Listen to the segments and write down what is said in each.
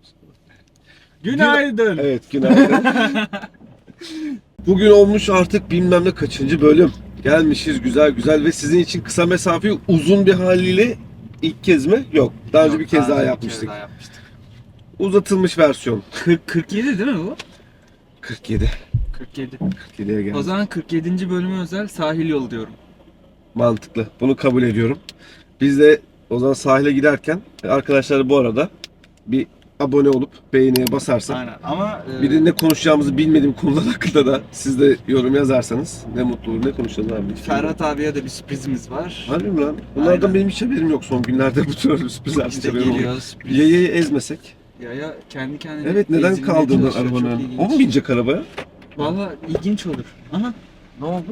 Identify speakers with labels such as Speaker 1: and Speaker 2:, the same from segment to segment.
Speaker 1: Günaydın.
Speaker 2: Evet, günaydın. Bugün olmuş artık bilmem ne kaçıncı bölüm. Gelmişiz güzel güzel ve sizin için kısa mesafeyi uzun bir haliyle ilk kez mi? Yok. Daha önce bir kez daha yapmıştık. Uzatılmış versiyon.
Speaker 1: 47 değil mi bu?
Speaker 2: 47.
Speaker 1: 47.
Speaker 2: 47'ye geldi.
Speaker 1: O zaman 47. bölümü özel sahil yolu diyorum.
Speaker 2: Mantıklı. Bunu kabul ediyorum. Biz de o zaman sahile giderken arkadaşlar bu arada bir abone olup beğeniye basarsak
Speaker 1: Aynen ama
Speaker 2: bir de ne konuşacağımızı bilmediğim konular hakkında da siz de yorum yazarsanız ne mutlu olur. Ne konuşalım abi?
Speaker 1: Ferhat abiye de bir sürprizimiz var.
Speaker 2: Harbi mi lan? Bunlardan
Speaker 1: Aynen.
Speaker 2: benim hiç haberim yok son günlerde bu tür sürprizler.
Speaker 1: İşte
Speaker 2: haberim oldu.
Speaker 1: geliyor sürpriz.
Speaker 2: Yayayı ezmesek.
Speaker 1: Yaya kendi kendine
Speaker 2: Evet, neden
Speaker 1: ezilmeye
Speaker 2: kaldırdın
Speaker 1: çalışıyor, çok
Speaker 2: arabanın?
Speaker 1: ilginç.
Speaker 2: O mu binecek arabaya?
Speaker 1: Valla ilginç olur. Aha. Ne oldu?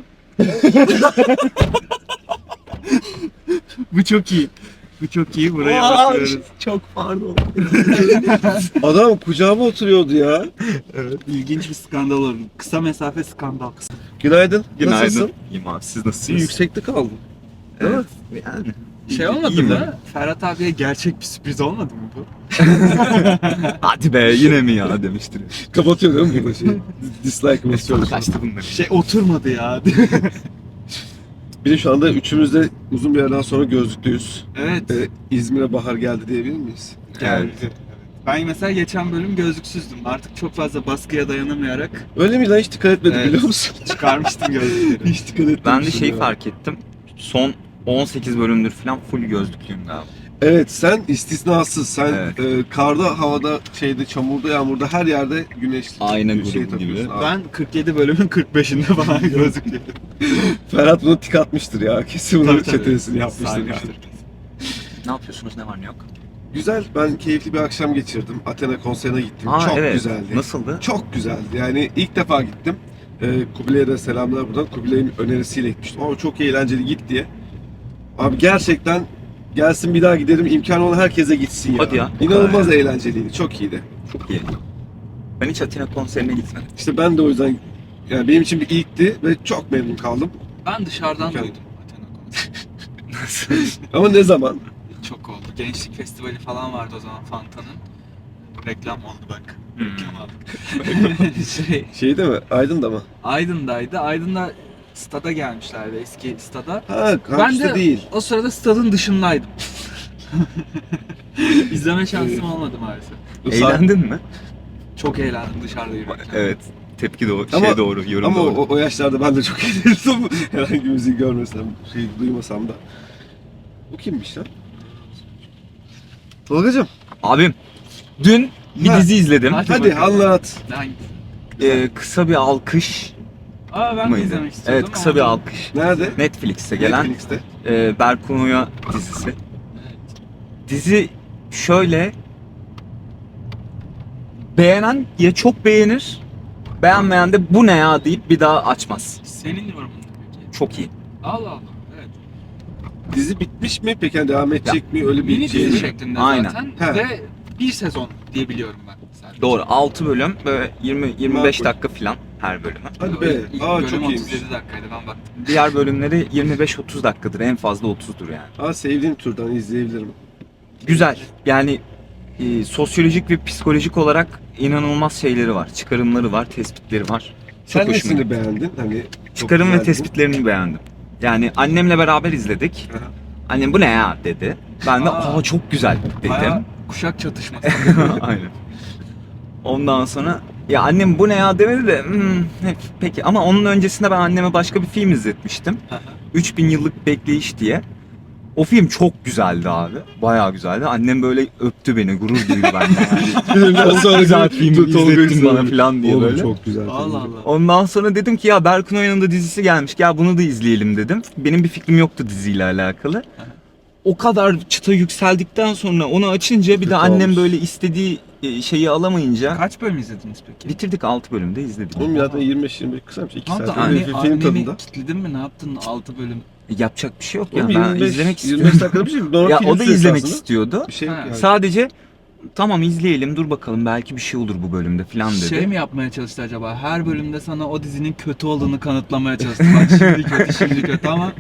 Speaker 1: Bu çok iyi. Bu çok iyi. Buraya atıyoruz.
Speaker 2: Çok pardon. Adam kucağıma oturuyordu ya.
Speaker 1: Evet. İlginç bir skandal olur. Kısa mesafe skandal.
Speaker 2: Günaydın.
Speaker 3: Günaydın.
Speaker 2: Nasılsın?
Speaker 3: İyiyim abi, siz
Speaker 2: Bir
Speaker 3: nasılsınız?
Speaker 2: yüksekte kaldın. Değil mi?
Speaker 3: Yani.
Speaker 1: Şey olmadı
Speaker 3: İyiyim
Speaker 1: mı? Ferhat abiye gerçek bir sürpriz olmadı mı bu?
Speaker 3: Hadi be yine mi ya demiştir.
Speaker 2: Kapatıyor değil mi burada şey? Dislike basıyor.
Speaker 3: Kaçtı bunlar.
Speaker 1: Şey oturmadı ya.
Speaker 2: Bir de şu anda üçümüz de uzun bir yerden sonra gözlüklüyüz.
Speaker 1: Evet.
Speaker 2: İzmir'e bahar geldi diyebilir miyiz?
Speaker 1: Geldi. Ben mesela geçen bölüm gözlüksüzdüm. Artık çok fazla baskıya dayanamayarak
Speaker 2: Öyle mi lan, hiç dikkat etmedim
Speaker 1: Evet.
Speaker 2: biliyor musun?
Speaker 1: çıkarmıştım gözlükleri.
Speaker 2: Hiç dikkat etmedim.
Speaker 3: Ben de şeyi fark ettim. Son 18 bölümdür falan full gözlüklüyüm galiba.
Speaker 2: Evet, sen istisnasız. Sen
Speaker 3: Evet.
Speaker 2: karda, havada, şeyde, çamurda, yağmurda her yerde güneşli
Speaker 3: Aynen
Speaker 2: bir şey
Speaker 3: grubu gibi.
Speaker 2: takıyorsun abi.
Speaker 1: Ben 47 bölümün 45'inde falan gözlük yedim.
Speaker 2: Ferhat bunu tik atmıştır ya. Kesin bunun
Speaker 1: Tabii, tabii.
Speaker 2: çetesini yapmıştır.
Speaker 1: Saymıştır.
Speaker 3: Ne yapıyorsunuz, ne var ne yok?
Speaker 2: Güzel, ben keyifli bir akşam geçirdim. Athena konserine gittim.
Speaker 3: Aa,
Speaker 2: Çok
Speaker 3: evet.
Speaker 2: güzeldi.
Speaker 3: Nasıldı?
Speaker 2: Çok güzeldi. Yani ilk defa gittim. Kubilay'a da selamlar buradan. Kubilay'ın önerisiyle gitmiştim. Ama çok eğlenceli, git diye. Abi gerçekten gelsin, bir daha gidelim. İmkanı olan herkese gitsin ya.
Speaker 3: Hadi ya.
Speaker 2: İnanılmaz
Speaker 3: Evet.
Speaker 2: eğlenceliydi. Çok iyiydi.
Speaker 3: Çok iyi. Ben hiç Atina konserine gitmedim.
Speaker 2: İşte ben de o yüzden, yani benim için bir ilkti ve çok memnun kaldım.
Speaker 1: Ben dışarıdan
Speaker 2: Mükemmel.
Speaker 1: duydum Athena konseri.
Speaker 2: Ama ne zaman?
Speaker 1: Çok oldu. Gençlik festivali falan vardı o zaman Fanta'nın. Reklam oldu bak.
Speaker 3: Hmm.
Speaker 1: Reklam aldık.
Speaker 2: Şey değil mi? Aydın'da mı?
Speaker 1: Aydın'daydı. Aydın'da stada gelmişlerdi, eski stada.
Speaker 2: Ha,
Speaker 1: Ben
Speaker 2: kampüste
Speaker 1: de
Speaker 2: değil.
Speaker 1: o sırada stadın dışındaydım. İzleme şansım olmadı maalesef.
Speaker 3: Eğlendin mi?
Speaker 1: Çok eğlendim dışarıda yürürken.
Speaker 3: Evet. Tepki doğru,
Speaker 2: Ama-
Speaker 3: şey doğru, yorum
Speaker 2: Ama
Speaker 3: doğru.
Speaker 2: o yaşlarda ben de çok eğlendim. Herhangi bir müziği görmesem, şey duymasam da. Bu kimmiş lan? Tolgacığım,
Speaker 3: Abim, dün bir
Speaker 2: Ha.
Speaker 3: dizi izledim.
Speaker 1: Hadi
Speaker 2: hadi
Speaker 1: bakalım.
Speaker 2: anlat.
Speaker 3: Kısa bir alkış
Speaker 1: Aa ben de
Speaker 3: mıydı?
Speaker 1: izlemek istiyordum.
Speaker 3: Evet, kısa bir alkış.
Speaker 2: Nerede?
Speaker 3: Netflix'te gelen
Speaker 2: Netflix'te.
Speaker 3: Berkun Oya dizisi.
Speaker 1: Evet.
Speaker 3: Dizi şöyle, beğenen ya çok beğenir, beğenmeyen de bu ne ya deyip bir daha açmaz.
Speaker 1: Senin yorumun ne peki?
Speaker 3: Çok iyi.
Speaker 1: Allah Allah. Evet.
Speaker 2: Dizi bitmiş mi? Peki yani devam edecek mi? Öyle bir
Speaker 1: Mini
Speaker 2: şey
Speaker 1: dizi
Speaker 2: mi?
Speaker 1: şeklinde
Speaker 3: Aynen.
Speaker 1: zaten
Speaker 2: He.
Speaker 1: ve bir sezon diye biliyorum ben. Sadece.
Speaker 3: Doğru, 6 bölüm böyle 20-25
Speaker 2: Makul.
Speaker 3: dakika falan her bölümü.
Speaker 2: Hadi be.
Speaker 1: İlk
Speaker 2: Aa,
Speaker 1: bölüm
Speaker 2: çok iyiymiş.
Speaker 1: 37 dakikaydı ben baktım.
Speaker 3: Diğer bölümleri 25-30 dakikadır, en fazla 30'dur yani.
Speaker 2: Aa, sevdiğim türden izleyebilirim.
Speaker 3: Güzel. Yani sosyolojik ve psikolojik olarak inanılmaz şeyleri var. Çıkarımları var, tespitleri var.
Speaker 2: Sen
Speaker 3: hoşuma
Speaker 2: nesini
Speaker 3: gitti.
Speaker 2: beğendin? Hani çok
Speaker 3: Çıkarım ve
Speaker 2: güzeldi.
Speaker 3: tespitlerini beğendim. Yani annemle beraber izledik.
Speaker 2: Aha.
Speaker 3: Annem bu ne ya dedi. Ben de
Speaker 1: Aa.
Speaker 3: çok güzel dedim.
Speaker 1: Bayağı kuşak çatışması.
Speaker 3: Aynen. Ondan sonra ya annem bu ne ya demedi de peki, ama onun öncesinde ben anneme başka bir film izletmiştim. 3000 yıllık bekleyiş diye. O film çok güzeldi abi. Bayağı güzeldi. Annem böyle öptü beni, gurur duydu benden.
Speaker 2: Filmden sonra
Speaker 3: güzel film
Speaker 2: Tolga
Speaker 3: izlettin
Speaker 2: izledim.
Speaker 3: bana falan diye
Speaker 2: Oğlum,
Speaker 3: böyle.
Speaker 2: çok güzel.
Speaker 1: Allah Allah.
Speaker 3: Ondan sonra dedim ki ya Berkun Oya'nın da dizisi gelmiş. Gel bunu da izleyelim dedim. Benim bir fikrim yoktu diziyle alakalı. O kadar çıta yükseldikten sonra onu açınca bir
Speaker 2: Kötü
Speaker 3: de annem
Speaker 2: olmuş.
Speaker 3: böyle istediği şeyi alamayınca
Speaker 1: Kaç bölüm izlediniz peki?
Speaker 3: bitirdik, 6 bölümde izledik.
Speaker 2: Oğlum zaten 25-25 kısaymış. 2
Speaker 1: Ne yaptın?
Speaker 2: saat. Bir film
Speaker 1: Anneni
Speaker 2: tadında.
Speaker 1: kilitledin mi? Ne yaptın 6 bölüm?
Speaker 3: Yapacak bir şey yok ya.
Speaker 2: Oğlum,
Speaker 3: Ben
Speaker 2: 25,
Speaker 3: izlemek
Speaker 2: 25
Speaker 3: istiyorum.
Speaker 2: dakikada bir şey. Normal
Speaker 3: Ya
Speaker 2: film
Speaker 3: o da
Speaker 2: süresi
Speaker 3: izlemek
Speaker 2: aslında.
Speaker 3: istiyordu.
Speaker 2: Bir şey yok
Speaker 1: Ha.
Speaker 2: yani.
Speaker 3: Sadece tamam izleyelim, dur bakalım belki bir şey olur bu bölümde falan dedi.
Speaker 1: Şey mi yapmaya çalıştı acaba? Her bölümde sana o dizinin kötü olduğunu kanıtlamaya çalıştı. Bak şimdi kötü, şimdi kötü ama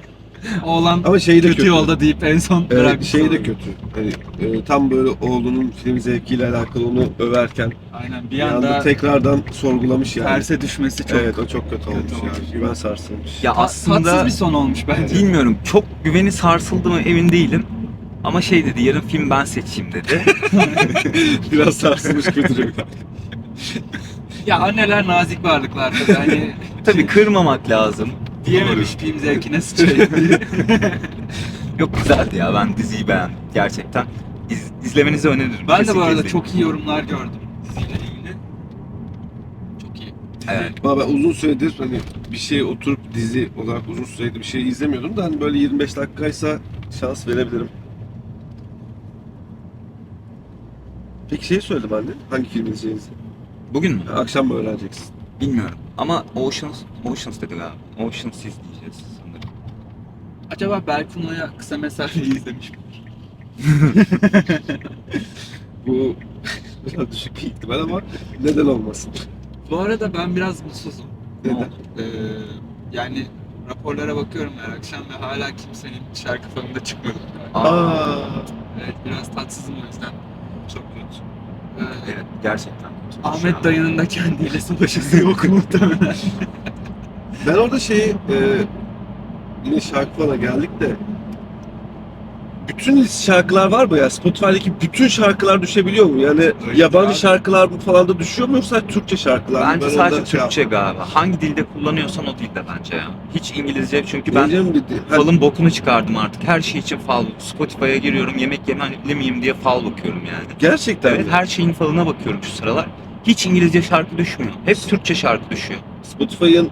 Speaker 1: Oğlan
Speaker 2: Ama şey de
Speaker 1: kötü
Speaker 2: kötü.
Speaker 1: yolda deyip en son
Speaker 2: Evet,
Speaker 1: bırakmış.
Speaker 2: şey de
Speaker 1: olayı.
Speaker 2: kötü. Hani tam böyle oğlunun film zevkiyle alakalı onu överken
Speaker 1: Aynen bir
Speaker 2: bir anda
Speaker 1: anda
Speaker 2: tekrardan sorgulamış yani.
Speaker 1: terse düşmesi çok
Speaker 2: Evet, o çok kötü olmuş
Speaker 1: kötü
Speaker 2: yani.
Speaker 1: olmuş.
Speaker 2: Güven sarsılmış.
Speaker 3: Ya aslında
Speaker 1: tatsız bir son olmuş bence.
Speaker 3: bilmiyorum, çok güveni sarsıldı mı emin değilim. Ama şey dedi, yarın film ben seçeyim dedi.
Speaker 2: Biraz sarsılmış kötü.
Speaker 1: Ya anneler nazik varlıklar tabii hani
Speaker 3: Tabii kırmamak lazım.
Speaker 1: diyememiş film zevkine sıçrayım diye.
Speaker 3: Yok, güzeldi ya, ben diziyi beğendim gerçekten. İzlemenizi öneririm.
Speaker 1: Ben de
Speaker 3: Kesinlikle
Speaker 1: bu arada
Speaker 3: izleyin.
Speaker 1: çok iyi yorumlar gördüm diziyle ilgili. Çok iyi.
Speaker 3: Evet.
Speaker 2: Ama ben uzun süredir hani bir şey oturup dizi olarak uzun süredir bir şey izlemiyordum da hani böyle 25 dakikaysa şans verebilirim. Peki şey söyledim anne, hangi film izleyeceğinizi?
Speaker 3: Bugün mü?
Speaker 2: Akşam mı öğreneceksin?
Speaker 3: Bilmiyorum. Ama Oceans dedi galiba. Oceans izleyeceğiz sanırım.
Speaker 1: Acaba Berkun'la kısa mesafeyi izlemiş mi?
Speaker 2: Bu biraz düşük bir ihtimal ama neden olmasın?
Speaker 1: Bu arada ben biraz mutsuzum.
Speaker 2: Neden?
Speaker 1: Ee, yani raporlara bakıyorum her akşam ve hala kimsenin şarkı falında çıkmadı.
Speaker 2: Aa,
Speaker 1: Evet biraz tatsızım o yüzden.
Speaker 2: çok kötü.
Speaker 1: Ee,
Speaker 3: Evet, gerçekten kötü.
Speaker 1: Ahmet dayının da kendiyle savaşası yok muhtemelen.
Speaker 2: Ben orada yine şarkı falan geldik de bütün şarkılar var mı ya? Spotify'daki bütün şarkılar düşebiliyor mu? Yani yabancı
Speaker 1: abi.
Speaker 2: şarkılar falan da düşüyor mu yoksa Türkçe şarkılar mı?
Speaker 3: Bence
Speaker 2: Ben
Speaker 3: sadece
Speaker 2: ondan
Speaker 3: Türkçe galiba. Hangi dilde kullanıyorsan o dilde bence ya. Hiç İngilizce, çünkü ben
Speaker 2: Diyeceğim
Speaker 3: falın bokunu çıkardım artık. Her şey için fal. Spotify'a giriyorum, yemek yemeli miyim diye fal bakıyorum yani.
Speaker 2: gerçekten
Speaker 3: Evet,
Speaker 2: mi?
Speaker 3: her şeyin falına bakıyorum şu sıralar. Hiç İngilizce şarkı düşmüyor. Hep Türkçe şarkı düşüyor.
Speaker 2: Spotify'ın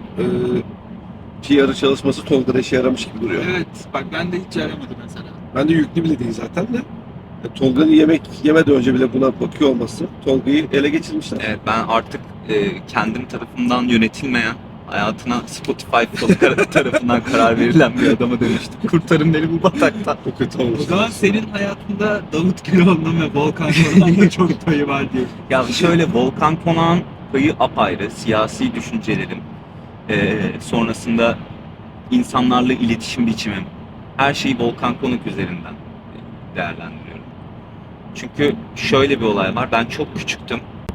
Speaker 2: PR'ı çalışması Tolga'da işe yaramış gibi duruyor.
Speaker 1: Evet bak ben de hiç yaramadı mesela.
Speaker 2: Ben de yüklü bile değil zaten de. Tolga'nın yemek yemeden önce bile buna bakıyor olması Tolga'yı ele geçirmişler.
Speaker 3: Evet, ben artık kendim tarafından yönetilmeyen, hayatına Spotify falı tarafından karar verilen bir adama dönüştüm. Kurtarın beni bu bataktan.
Speaker 2: Çok kötü olmuş.
Speaker 1: O zaman senin hayatında Davut Güloğlu'nun ve Volkan Konak'ın da çok payı var diye.
Speaker 3: Ya şöyle, Volkan Konak'ın payı apayrı. Siyasi düşüncelerim, sonrasında insanlarla iletişim biçimim, her şeyi Volkan Konak üzerinden değerlendiriyorum. Çünkü şöyle bir olay var. Ben çok küçüktüm.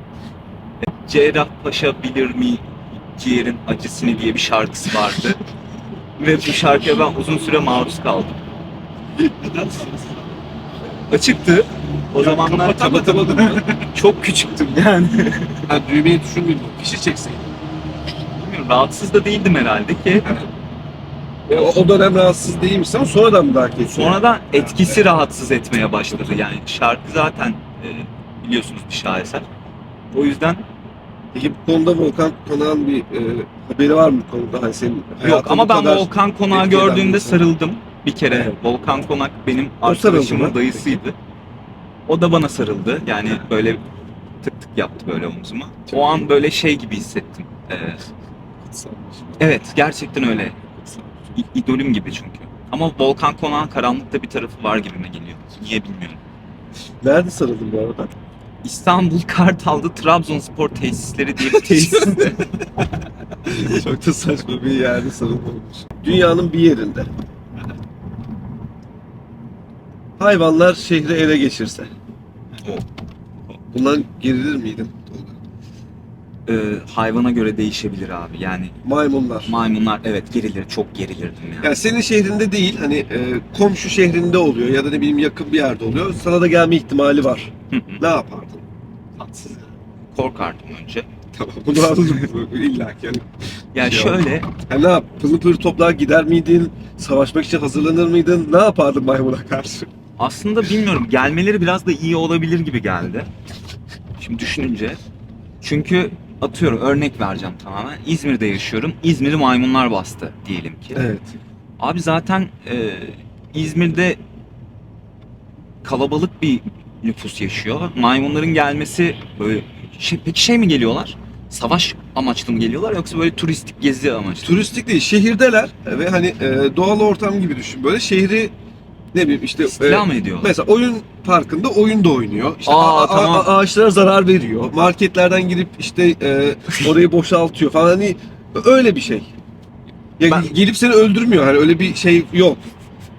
Speaker 3: Cerrahpaşa bilir mi ciğerin acısını diye bir şarkısı vardı. Ve bu şarkıya ben uzun süre maruz kaldım.
Speaker 1: Neden?
Speaker 3: Açıktı. O zamanlar
Speaker 2: Kapatamadın mı?
Speaker 3: çok küçüktüm yani.
Speaker 2: Ha, düğmeyi düşünmeyeyim. Fişi çekseydin.
Speaker 3: Bilmiyorum, rahatsız da değildim herhalde ki.
Speaker 2: O dönem rahatsız değilmiş ama sonradan mı daha keyifli?
Speaker 3: Sonradan etkisi rahatsız etmeye başladı. Yani şarkı zaten biliyorsunuz bir şaheser. O yüzden
Speaker 2: Peki bu konuda Volkan Konak'ın bir haberi var mı bu konuda? Hani senin
Speaker 3: yok,
Speaker 2: hayatın
Speaker 3: ama
Speaker 2: bu
Speaker 3: ben
Speaker 2: kadar
Speaker 3: Volkan Konak'ı
Speaker 2: etki eden bir
Speaker 3: gördüğümde
Speaker 2: insan.
Speaker 3: sarıldım bir kere.
Speaker 2: Evet.
Speaker 3: Volkan Konak benim
Speaker 2: O sarıldı
Speaker 3: arkadaşımın
Speaker 2: mı?
Speaker 3: dayısıydı. O da bana sarıldı. Yani böyle tık tık yaptı böyle omzuma.
Speaker 2: Çok
Speaker 3: O an
Speaker 2: iyi.
Speaker 3: böyle şey gibi hissettim. Evet, gerçekten öyle. İdolüm gibi çünkü. Ama Volkan Konak'ın karanlıkta bir tarafı var gibime geliyor. Niye bilmiyorum.
Speaker 2: Nerede sarıldın bu arada?
Speaker 3: İstanbul Kartal'da Trabzonspor tesisleri diye bir tesiste.
Speaker 2: Çok da saçma bir yerde sarılmamış. Dünyanın bir yerinde. Hayvanlar şehri ele geçirse. Bundan gerilir miydin?
Speaker 3: Hayvana göre değişebilir abi. Yani
Speaker 2: Maymunlar.
Speaker 3: maymunlar evet gerilir, çok gerilirdim yani.
Speaker 2: Yani senin şehrinde değil, hani komşu şehrinde oluyor ya da ne bileyim yakın bir yerde oluyor. Sana da gelme ihtimali var.
Speaker 3: Hı hı.
Speaker 2: Ne yapardın?
Speaker 1: Tatsız.
Speaker 3: Korkardım önce.
Speaker 2: Tamam, bunu anladım. İlla ki yani.
Speaker 3: Yani
Speaker 2: Şey
Speaker 3: şöyle,
Speaker 2: Yani ne yap? Pırıl pırıl toplar gider miydin? Savaşmak için hazırlanır mıydın? Ne yapardın maymuna karşı?
Speaker 3: aslında bilmiyorum, gelmeleri biraz da iyi olabilir gibi geldi. Şimdi düşününce. Çünkü atıyorum, örnek vereceğim tamamen. İzmir'de yaşıyorum. İzmir'i maymunlar bastı diyelim ki.
Speaker 2: Evet.
Speaker 3: Abi zaten İzmir'de kalabalık bir nüfus yaşıyor. Maymunların gelmesi böyle peki şey mi geliyorlar? Savaş amaçlı mı geliyorlar yoksa böyle turistik gezi amaçlı mı?
Speaker 2: Turistik değil, şehirdeler ve hani doğal ortam gibi düşün. Böyle şehri ne bileyim işte
Speaker 3: İstila mı ediyorlar?
Speaker 2: mesela oyun parkında oyun da oynuyor. İşte
Speaker 3: Tamam.
Speaker 2: ağaçlara zarar veriyor. Marketlerden girip işte orayı boşaltıyor falan, hani öyle bir şey. Ya
Speaker 3: Ben-
Speaker 2: gelip seni öldürmüyor, hani öyle bir şey yok.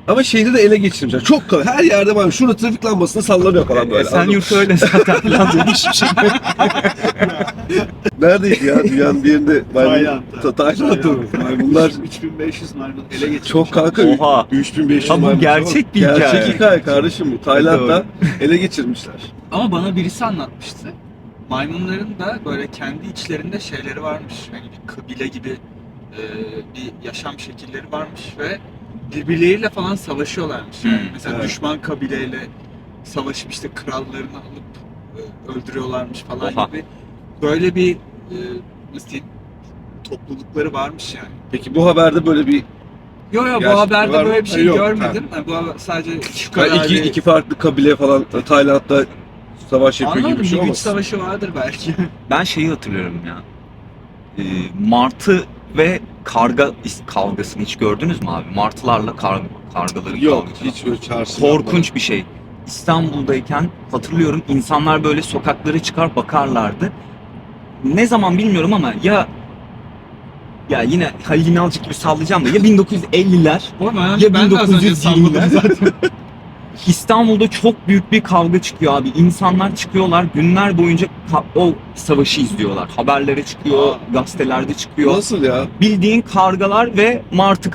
Speaker 2: Ama şehri de ele geçirmişler. Çok kalın. Her yerde var. Şurada trafik lambasını sallanıyor falan böyle.
Speaker 3: Esenyurt öyle zaten falan demiş bir şey.
Speaker 2: Neredeydi ya? Dünyanın bir yerinde
Speaker 1: Tayland'da.
Speaker 2: Tayland'da mı? Maymunlar
Speaker 1: 3500 maymun ele geçirmiş.
Speaker 2: çok kanka.
Speaker 3: Oha.
Speaker 2: 3500
Speaker 3: Ha, bu
Speaker 2: maymun.
Speaker 3: gerçek bir hikaye.
Speaker 2: Gerçek hikaye kardeşim bu. Tayland'da ele geçirmişler.
Speaker 1: Ama bana birisi anlatmıştı. Maymunların da böyle kendi içlerinde şeyleri varmış. Hani bir kabile gibi bir yaşam şekilleri varmış ve birbirleriyle falan savaşıyorlarmış. Yani mesela
Speaker 2: evet.
Speaker 1: düşman kabileyle savaşıp işte krallarını alıp öldürüyorlarmış falan
Speaker 3: Oha.
Speaker 1: gibi. Böyle bir nasıl diyeyim, toplulukları varmış yani.
Speaker 2: Peki bu haberde böyle bir
Speaker 1: Yo bu
Speaker 2: Gerçekten
Speaker 1: haberde
Speaker 2: var mı?
Speaker 1: böyle bir şey
Speaker 2: Yok,
Speaker 1: görmedim. Yani bu sadece şu kadar
Speaker 2: iki farklı kabile falan Tayland'da savaş yapıyor
Speaker 1: anlamadım,
Speaker 2: gibi bir şey
Speaker 1: bir güç
Speaker 2: olmaz.
Speaker 1: savaşı vardır belki.
Speaker 3: Ben şeyi hatırlıyorum ya. Martı ve karga kavgasını hiç gördünüz mü abi? Martılarla kargaların
Speaker 2: Yok
Speaker 3: kavgası.
Speaker 2: hiç böyle çarşı.
Speaker 3: Korkunç bir şey. İstanbul'dayken hatırlıyorum insanlar böyle sokaklara çıkar bakarlardı. Ne zaman bilmiyorum ama ya yine Halil İnalcık gibi sallayacağım da ya 1950'ler
Speaker 1: Oğlum
Speaker 3: ya
Speaker 1: ben de az önce
Speaker 3: 1920'ler.
Speaker 1: salladım zaten.
Speaker 3: İstanbul'da çok büyük bir kavga çıkıyor abi. İnsanlar çıkıyorlar günler boyunca o savaşı izliyorlar. Haberlere çıkıyor, gazetelerde çıkıyor.
Speaker 2: Nasıl ya?
Speaker 3: Bildiğin kargalar ve martı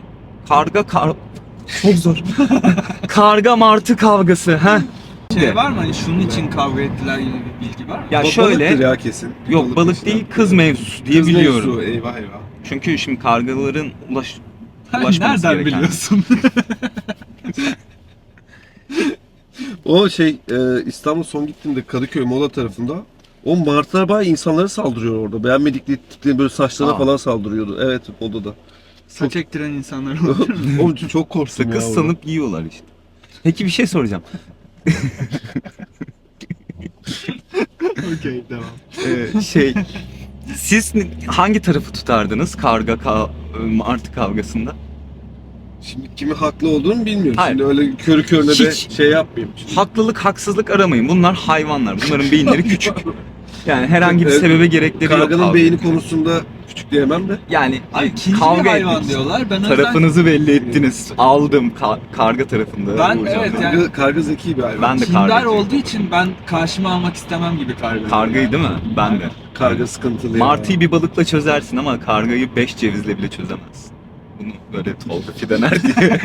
Speaker 3: çok zor. Karga martı kavgası ha.
Speaker 1: Şey var mı hani şunun için kavga ettiler gibi bir bilgi var mı?
Speaker 3: Ya
Speaker 2: Balıktır
Speaker 3: şöyle
Speaker 2: ya kesin.
Speaker 3: yok balık
Speaker 2: işte.
Speaker 3: değil kız mevzusu diye
Speaker 2: Kız
Speaker 3: biliyorum.
Speaker 2: mevzu, eyvah eyvah.
Speaker 3: Çünkü şimdi kargaların
Speaker 1: Sen
Speaker 3: ulaşması
Speaker 1: nereden
Speaker 3: gereken.
Speaker 1: biliyorsun?
Speaker 2: O İstanbul son gittiğimde Kadıköy Mola tarafında o martılar bayağı insanlara saldırıyor orada. Beğenmedikleri tipleri böyle saçlarına
Speaker 3: Aa.
Speaker 2: falan saldırıyordu. Evet odada.
Speaker 1: Saç ektiren insanlar olur.
Speaker 2: Onun için çok korktum
Speaker 3: Sakız
Speaker 2: ya.
Speaker 3: sanıp yiyorlar işte. Peki bir şey soracağım.
Speaker 1: Okey devam.
Speaker 3: Siz hangi tarafı tutardınız martı kavgasında?
Speaker 2: Şimdi kimi haklı olduğunu bilmiyorum.
Speaker 3: Hayır.
Speaker 2: Şimdi öyle körü körüne de
Speaker 3: Hiç.
Speaker 2: şey yapmayayım. Şimdi.
Speaker 3: Haklılık, haksızlık aramayın. Bunlar hayvanlar. Bunların beyinleri küçük. Yani herhangi bir
Speaker 2: Evet,
Speaker 3: sebebe gerekleri yok.
Speaker 2: Karganın
Speaker 3: kavga.
Speaker 2: beyni konusunda küçük diyemem de.
Speaker 3: Yani
Speaker 1: Ay ikinci
Speaker 3: kavga
Speaker 1: bir hayvan
Speaker 3: etmek.
Speaker 1: diyorlar. Ben o yüzden
Speaker 3: Tarafınızı belli ettiniz. Aldım karga tarafında.
Speaker 1: Ben
Speaker 3: Uğurcan
Speaker 1: evet,
Speaker 3: Bey.
Speaker 1: yani-
Speaker 2: Karga zeki bir hayvan.
Speaker 3: Ben de
Speaker 1: kindar
Speaker 3: kargacıyım.
Speaker 1: olduğu için ben karşıma almak istemem gibi kargayı.
Speaker 3: Kargayı değil mi? Ben de.
Speaker 2: Karga sıkıntılı
Speaker 3: Martıyı bir balıkla çözersin ama kargayı 5 cevizle bile çözemezsin. Bunu böyle Tolga Fidener diye.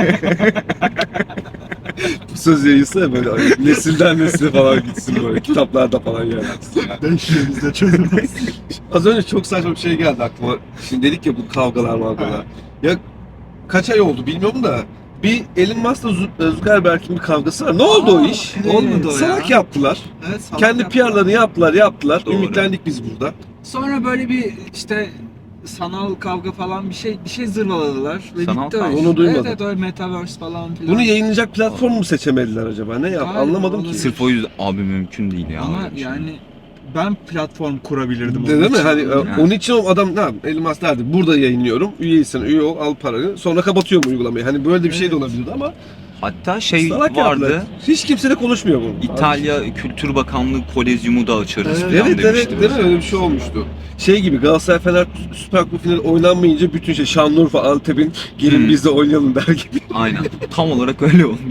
Speaker 2: Bu söz yayılsa ya böyle nesilden nesile falan gitsin böyle kitaplarda falan yer alsın.
Speaker 1: 5 yerimizde çözülmez.
Speaker 2: Az önce çok saçma bir şey geldi aklıma. Şimdi dedik ya bu kavgalar. Ya kaç ay oldu bilmiyorum da bir Elon Musk'la Zuckerberg'in bir kavgası var. Ne oldu o iş?
Speaker 1: evet. Olmadı o ya.
Speaker 2: Salak yaptılar.
Speaker 1: Evet, salak
Speaker 2: Kendi
Speaker 1: yaptılar.
Speaker 2: PR'larını yaptılar.
Speaker 3: Doğru.
Speaker 2: Ümitlendik biz burada.
Speaker 1: Sonra böyle bir işte sanal kavga falan bir şey zırvaladılar ve
Speaker 3: Sanal
Speaker 1: bitti
Speaker 3: kavga.
Speaker 1: o iş.
Speaker 2: Onu duymadım.
Speaker 1: Evet öyle metaverse falan filan.
Speaker 2: Bunu yayınlayacak platform mu seçemediler acaba? Ne yap?
Speaker 1: Galiba
Speaker 2: Anlamadım ki.
Speaker 1: olabilir.
Speaker 3: Sırf o yüzden abi mümkün değil ya.
Speaker 1: Ama
Speaker 3: öyle bir şey.
Speaker 1: yani ben platform kurabilirdim.
Speaker 2: Değil
Speaker 1: onun
Speaker 2: mi?
Speaker 1: için.
Speaker 2: Hani
Speaker 3: Yani.
Speaker 2: onun için o adam ne yapayım? Elon Musk derdi. Burada yayınlıyorum. Üyeysen üye ol, al paranı. Sonra kapatıyorum uygulamayı. Hani böyle de bir şey de
Speaker 1: Evet.
Speaker 2: olabilirdi ama
Speaker 3: Hatta
Speaker 2: salak
Speaker 3: vardı.
Speaker 2: yaptılar. Hiç kimse de konuşmuyor bunu.
Speaker 3: İtalya Kültür Bakanlığı Kolezyumu da açarız
Speaker 1: Evet,
Speaker 3: falan
Speaker 2: Evet
Speaker 3: demişti.
Speaker 2: değil mi? Öyle bir şey olmuştu. Şey gibi Galatasaray Fener Süper Kupa finali oynanmayınca bütün Şanlıurfa Antep'in gelin biz de oynayalım der gibi.
Speaker 3: Aynen. Tam olarak öyle olmuş.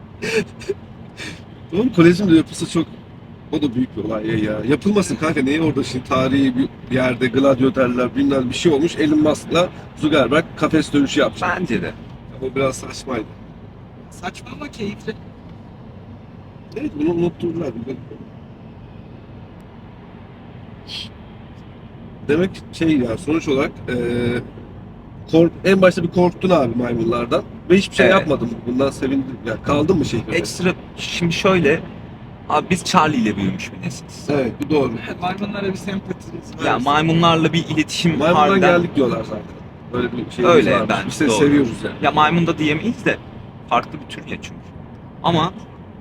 Speaker 2: Oğlum Kolezyum da yapılsa çok o da büyük bir olay ya. Yapılmasın kanka neye orada şimdi tarihi bir yerde gladyatörler bilmem bir şey olmuş. Elon Musk'la Zuckerberg kafes dövüşü yapacak.
Speaker 3: Bence de.
Speaker 2: O biraz saçmaydı.
Speaker 1: Saçma ama keyifli.
Speaker 2: Evet bunu unutturdular. Demek ya sonuç olarak en başta bir korktun abi maymunlardan ve hiçbir şey
Speaker 3: Evet.
Speaker 2: yapmadın. Bundan sevindim. Ya kaldın mı şehirde?
Speaker 3: Ekstra şimdi şöyle abi biz Charlie ile büyümüş bir nesiliz.
Speaker 2: Evet bu doğru.
Speaker 1: Evet, maymunlara bir sempatimiz var.
Speaker 3: Ya maymunlarla bir iletişim
Speaker 2: Maymundan
Speaker 3: harbiden.
Speaker 2: geldik diyorlar zaten. Böyle bir şey
Speaker 3: Öyle,
Speaker 2: varmış.
Speaker 3: ben-
Speaker 2: Biz de
Speaker 3: doğru.
Speaker 2: seviyoruz yani.
Speaker 3: Ya maymun da diyemeyiz de farklı bir tür ya çünkü. Ama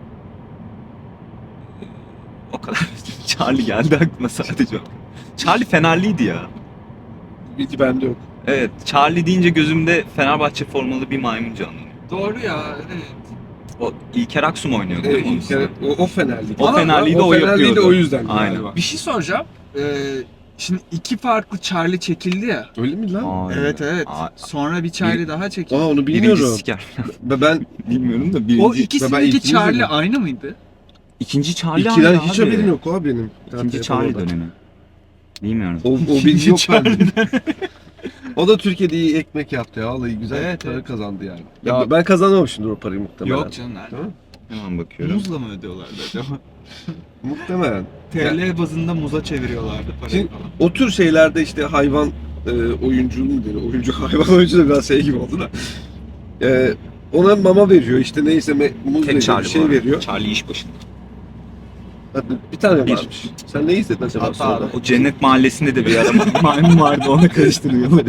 Speaker 3: o kadar Charlie geldi aklıma sadece. Charlie Fenerliydi ya.
Speaker 2: Bilgi bende yok.
Speaker 3: Evet, Charlie deyince gözümde Fenerbahçe formalı bir maymun canlanıyor.
Speaker 1: Doğru ya evet.
Speaker 3: O İlker Aksum oynuyordu
Speaker 2: Evet,
Speaker 3: değil mi onun
Speaker 2: ilk kere-
Speaker 3: üstünde?
Speaker 2: o Fenerli.
Speaker 3: O Fenerliydi, o
Speaker 2: Fenerliydi
Speaker 3: yapıyordu.
Speaker 2: o yüzden
Speaker 3: Aynen.
Speaker 2: galiba.
Speaker 1: Bir şey soracağım. Şimdi iki farklı Charlie çekildi ya.
Speaker 2: Öyle mi lan?
Speaker 3: Aa,
Speaker 1: Evet evet.
Speaker 3: Aa,
Speaker 1: Sonra bir Charlie daha çekildi.
Speaker 2: Onu
Speaker 3: birinci
Speaker 2: bilmiyorum.
Speaker 3: siker.
Speaker 2: Ben
Speaker 3: Bilmiyorum da
Speaker 1: O
Speaker 3: birinci.
Speaker 2: Ben
Speaker 1: ikisindeki
Speaker 2: ilkini
Speaker 1: Charlie
Speaker 2: izledim.
Speaker 1: aynı mıydı?
Speaker 3: İkinci Charlie
Speaker 2: ikiden
Speaker 3: aynı
Speaker 2: hiç
Speaker 3: abi.
Speaker 2: haberim yok abi benim.
Speaker 3: İkinci Charlie dönemi. Bilmiyorum.
Speaker 2: O
Speaker 1: İkinci
Speaker 2: bilgi yok
Speaker 1: Charlie
Speaker 2: bende. O da Türkiye'de iyi ekmek yaptı ya. Vallahi güzel
Speaker 1: Evet,
Speaker 2: para
Speaker 1: evet.
Speaker 2: kazandı yani.
Speaker 1: Ya-
Speaker 2: Ben kazanamamışımdır o parayı muhtemelen.
Speaker 1: Yok canım nerede?
Speaker 2: Değil mi?
Speaker 3: Hemen bakıyorum.
Speaker 1: Muzla mı ödüyorlardı acaba?
Speaker 2: Muhtemelen.
Speaker 1: TL bazında muza çeviriyorlardı parayı
Speaker 2: Şimdi-
Speaker 1: falan.
Speaker 2: O tür şeylerde işte hayvan oyuncu mu deniyor? Oyuncu hayvan oyuncu da biraz şey gibi oldu da. Ona mama veriyor işte neyse muz
Speaker 3: Tek
Speaker 2: veriyor,
Speaker 3: Charlie
Speaker 2: bir şey
Speaker 3: bu arada.
Speaker 2: veriyor.
Speaker 3: Charlie iş başında.
Speaker 2: Hadi, bir tane
Speaker 3: Bir.
Speaker 2: varmış. Sen ne izledin acaba
Speaker 1: Hatta
Speaker 2: sonra?
Speaker 1: abi.
Speaker 3: O Cennet Mahallesi'nde de bir ara maymun vardı, onu karıştırıyor.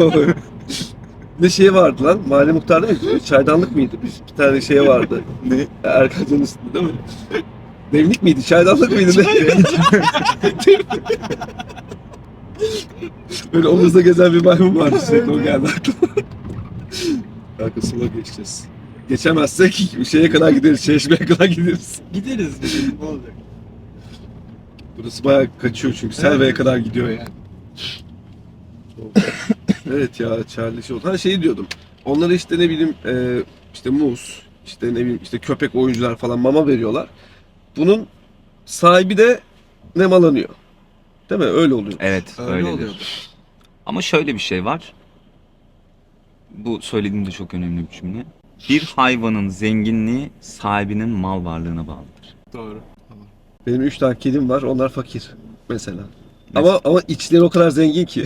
Speaker 2: Ne şey vardı lan? Mahalle muhtarı mıydı? Çaydanlık mıydı? Bir tane şey vardı. Ne? Erkan'ın üstünde değil mi? Demlik miydi? Çaydanlık mıydı? Ne? Böyle omuzda gezen bir maymun vardı sürekli o geldi aklıma. Kanka sola geçeceğiz. Geçemezsek şeye kadar gideriz, Çeşme'ye kadar gideriz.
Speaker 1: Gideriz. Ne olacak?
Speaker 2: Burası bayağı kaçıyor çünkü Selve'ye kadar gidiyor yani. Evet ya Charlie şey oldu. Ha şey diyordum. Onlara işte ne bileyim işte muz, işte ne bileyim işte köpek oyuncular falan mama veriyorlar. Bunun sahibi de nemalanıyor. Değil mi? Öyle oluyor.
Speaker 3: Evet,
Speaker 1: Öyle
Speaker 3: öyledir.
Speaker 1: oluyordu.
Speaker 3: Ama şöyle bir şey var. Bu söylediğim de çok önemli bir cümle. Bir hayvanın zenginliği sahibinin mal varlığına bağlıdır.
Speaker 1: Doğru.
Speaker 2: Benim 3 tane kedim var. Onlar fakir mesela. Ama içleri o kadar zengin ki.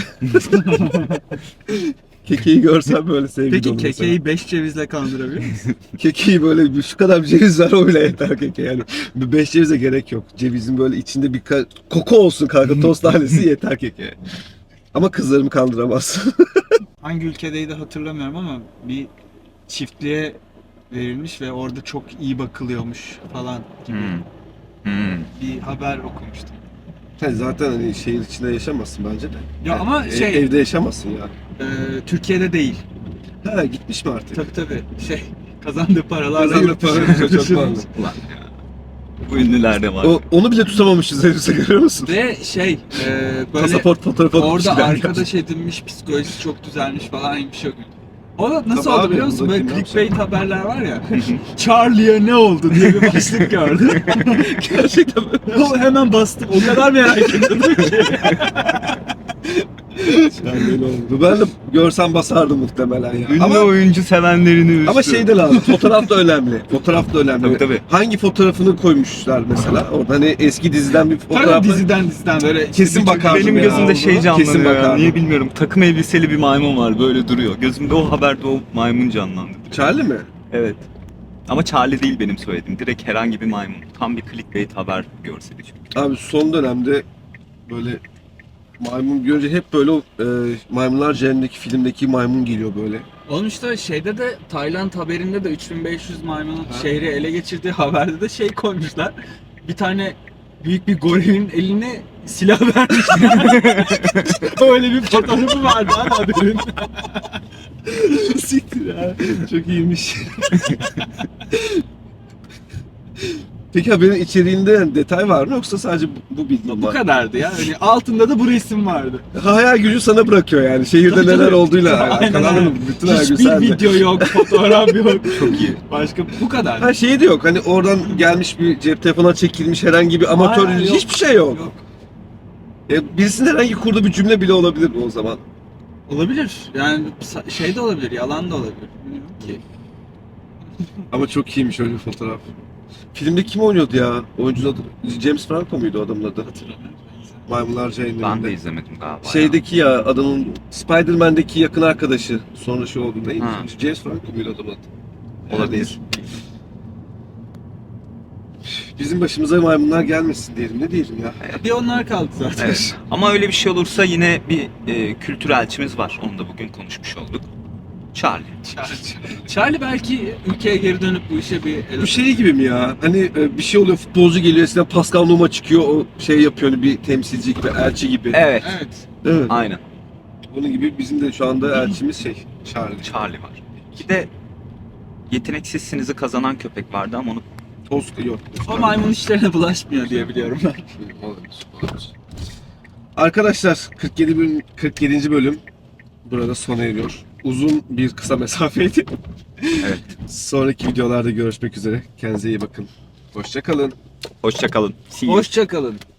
Speaker 2: Kekeyi görsem böyle sevgi
Speaker 1: Peki
Speaker 2: dolu mesela.
Speaker 1: kekeyi 5 cevizle kandırabiliyor musun?
Speaker 2: Kekeyi böyle şu kadar bir ceviz var o bile yeter keke yani. 5 cevize gerek yok. Cevizin böyle içinde bir koku olsun kanka tost tanesi yeter keke. Ama kızlarımı kandıramaz.
Speaker 1: Hangi ülkedeydi hatırlamıyorum ama bir çiftliğe verilmiş ve orada çok iyi bakılıyormuş falan gibi bir haber okumuştum.
Speaker 2: Zaten hani şehir içinde yaşamazsın bence de.
Speaker 1: Ya ama şey
Speaker 2: Evde yaşamazsın ya.
Speaker 1: Türkiye'de değil.
Speaker 2: Ha gitmiş mi artık?
Speaker 1: Tabii kazandığı paralarla
Speaker 2: Kazandığı
Speaker 1: yurt dışına
Speaker 2: para çok
Speaker 1: taşınmış.
Speaker 2: pahalı.
Speaker 3: Ulan ya. Bu ünlülerde var.
Speaker 2: Onu bile tutamamışız herifse görüyor musun?
Speaker 1: Ve böyle
Speaker 2: Pasaport fotoğrafı atmış
Speaker 1: orada
Speaker 2: bir
Speaker 1: arkadaş edinmiş, psikolojisi çok düzelmiş falan bir şey yok. O da nasıl
Speaker 2: Tabii
Speaker 1: oldu
Speaker 2: abi,
Speaker 1: biliyor musun? Böyle
Speaker 2: buradaki
Speaker 1: clickbait haberler var ya. Charlie'ye ne oldu diye bir başlık gördüm.
Speaker 2: Gerçekten böyle.
Speaker 1: O hemen bastım. O kadar merak ediyordum ki.
Speaker 2: Yani öyle oldu. Ben de görsem basardım muhtemelen ya.
Speaker 3: Ünlü
Speaker 2: Ama,
Speaker 3: oyuncu sevenlerini üzdü.
Speaker 2: ama şey de lazım. Fotoğraf da önemli. Fotoğraf da önemli.
Speaker 3: Tabii.
Speaker 2: Hangi fotoğrafını koymuşlar mesela? Orada hani eski diziden bir
Speaker 1: Tabii
Speaker 2: fotoğraf.
Speaker 1: diziden böyle.
Speaker 2: Kesin
Speaker 1: bir
Speaker 2: bakardım
Speaker 3: Benim
Speaker 2: ya.
Speaker 3: gözümde şey
Speaker 2: Kesin
Speaker 3: canlanıyor ya.
Speaker 2: bakardım.
Speaker 3: Niye bilmiyorum. Takım elbiseli bir maymun var böyle duruyor. Gözümde o haberde o maymun canlandı.
Speaker 2: Charlie mi?
Speaker 3: Evet. Ama Charlie değil benim söylediğim. Direkt herhangi bir maymun. Tam bir clickbait haber görseli çünkü.
Speaker 2: Abi son dönemde böyle maymun görünce hep böyle o Maymunlar Cehennemi'ndeki filmdeki maymun geliyor böyle.
Speaker 1: Oğlum işte şeyde de Tayland haberinde de 3500 maymunun şehri ele geçirdiği haberde de şey koymuşlar. Bir tane büyük bir gorilin eline silah vermişler. Öyle bir fotoğrafı vardı abi haberin.
Speaker 2: Siktir ya. Çok iyiymiş. Peki haberin içeriğinde yani detay var mı yoksa sadece bu bilgi mi
Speaker 1: Bu
Speaker 2: var?
Speaker 1: kadardı ya. Hani altında da bu resim vardı.
Speaker 2: Hayal gücü sana bırakıyor yani. Şehirde
Speaker 1: Tabii,
Speaker 2: neler
Speaker 1: tabii.
Speaker 2: olduğuyla
Speaker 1: Aynen
Speaker 2: alakalı.
Speaker 1: öyle.
Speaker 2: Bütün hayal gücü
Speaker 1: Hiçbir
Speaker 2: sende.
Speaker 1: video yok, fotoğraf yok.
Speaker 3: Çok iyi.
Speaker 1: Başka bu kadar.
Speaker 2: Ha şey de yok. Hani oradan gelmiş bir cep telefona çekilmiş herhangi bir amatör
Speaker 1: Hayır, yok.
Speaker 2: hiçbir şey yok. Birisinin herhangi kurduğu bir cümle bile olabilir bu o zaman.
Speaker 1: Olabilir. Yani şey de olabilir, yalan da olabilir. Bilmiyorum ki.
Speaker 2: Ama çok iyiymiş öyle bir fotoğraf. Filmde kim oynuyordu ya? Oyuncunun adı James Franco muydu o adamın adı?
Speaker 1: Hatırlamıyorum.
Speaker 2: Maymunlar
Speaker 3: Ben de
Speaker 2: Cehennemi'nde.
Speaker 3: izlemedim galiba.
Speaker 2: Şeydeki ya adamın Spider-Man'deki yakın arkadaşı. Sonra şey oldu neydi?
Speaker 3: Ha.
Speaker 2: James Franco muydu adamın adı?
Speaker 3: Olabilir.
Speaker 2: Bizim başımıza maymunlar gelmesin diyelim. Ne diyelim ya?
Speaker 1: Bir onlar kaldı zaten.
Speaker 3: Evet. Ama öyle bir şey olursa yine bir kültür elçimiz var. Onu da bugün konuşmuş olduk. Charlie.
Speaker 1: Charlie belki ülkeye geri dönüp bu işe bir el
Speaker 2: Bu şey gibi mi ya? Hani bir şey oluyor, futbolcu geliyor, eskiden Pascal Nouma çıkıyor, o şey yapıyor hani bir temsilci gibi, elçi gibi.
Speaker 3: Evet.
Speaker 1: Evet.
Speaker 2: Değil mi?
Speaker 3: Aynen.
Speaker 2: Onun gibi bizim de şu anda elçimiz şey, Charlie.
Speaker 3: Charlie var. Bir de yeteneksizsinizi kazanan köpek vardı ama onu
Speaker 2: Toska yok.
Speaker 1: O maymun işlerine bulaşmıyor diye biliyorum ben.
Speaker 2: Arkadaşlar 47. bölüm burada sona eriyor. Uzun bir kısa mesafeydi.
Speaker 3: Evet.
Speaker 2: Sonraki videolarda görüşmek üzere. Kendinize iyi bakın. Hoşça kalın.
Speaker 3: Hoşça kalın. See you.
Speaker 1: Hoşça kalın.